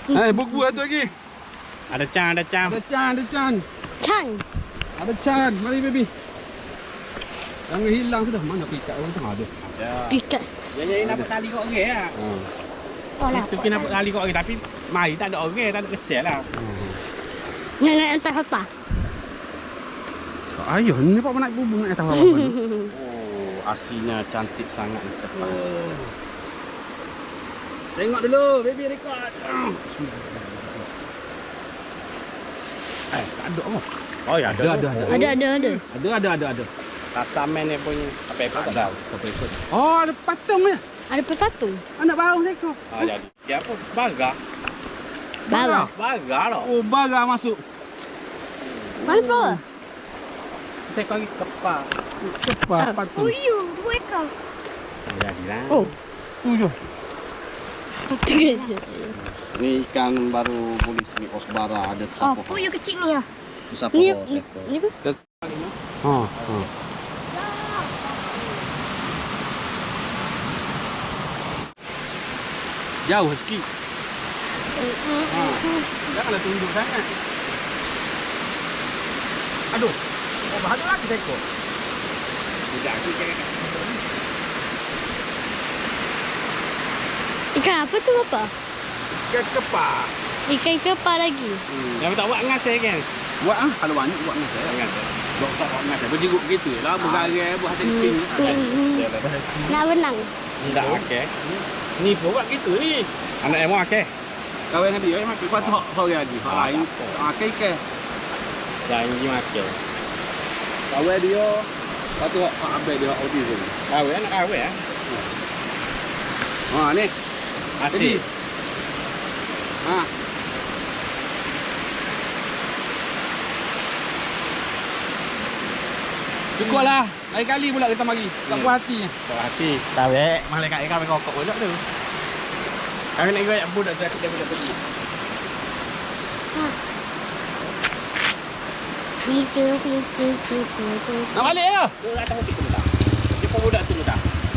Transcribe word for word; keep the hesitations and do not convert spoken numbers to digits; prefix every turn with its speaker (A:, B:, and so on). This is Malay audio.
A: Eh, buku ada lagi.
B: Ada Chan, ada Chan.
A: Ada Chan, ada Chan.
C: Chan.
A: Ada Chan. Mari baby. Jangan hilang sudah. Mana pikat orang tengah ada?
B: Ya.
C: Pikat.
B: Ya, ya, nampak tali kat orang lah.
A: Ha.
C: Oh lah.
B: Itu kena nampak tali kat orang tapi mari tak ada orang, tak ada kesel lah.
C: Nak nak entah apa.
A: Ayuh, ni pak nak bubung nak tahu apa.
B: Oh, aslinya cantik sangat ni tepat.
A: Oh. Tengok dulu, baby record.
B: Eh, tak ada apa? Oh ya, ada.
A: Ada, ada, ada.
C: Ada ada ada.
A: Ada, ada, ada, ada.
B: Rasamen ni punya apa-apa tak tahu.
A: Oh, ada patung ya.
C: Ada patung.
A: Anak baru seekor.
B: Ah, jadi. Siapa? Baga.
C: Bala.
B: Baga lah.
A: Oh, baga masuk.
C: Mana bawa?
B: Saya kau pergi kepak.
A: Cepat patung.
C: Uyu, dua ekor.
B: Jadilah.
A: Oh, tujuh.
B: Ni ikan baru polis ni Osbara ada
C: Oh,
B: sapo.
C: puyuh kecil ni ah.
B: Sapo
C: Ni
B: sekor.
C: ni apa?
A: Ha, ha. Jauh sikit. Ha. Janganlah tunduk sangat. Aduh. Oh, bahagia lagi seekor.
B: Tidak aku cakap.
C: Ikan apa tu apa?
A: Ikan kepak.
C: Ikan kepal lagi.
B: Hmm. Yang tak buat ngas saya kan.
A: Buat ah, kalau banyak buat ngas ya.
B: Ngas.
A: Buat tak buat ngas. Berjiguk gitu lah, bergarai buat hati ping.
C: Nak benang.
B: Tidak okey. Ni pun buat gitu ni. Anak emo okey.
A: Kawan dengan dia mak kuat hok sore lagi. Hok lain. Ah, ke-ke.
B: Janji makan.
A: Kawan dia lepas tu hok abang dia hok autism.
B: Kawin anak kawin ah.
A: Ha ni.
B: Asyik.
A: Ha. Cukup lah. Lain kali pula kita mari. Tak puas hati.
B: Puas hati. Tahu malaikat ikan kau kokok pula tu. Kami nak goyak budak tu aku dia budak pergi.
C: Picu picu picu picu.
A: Nak balik ke?
B: Tu atas musik tu dah. Dia pun budak tu dah.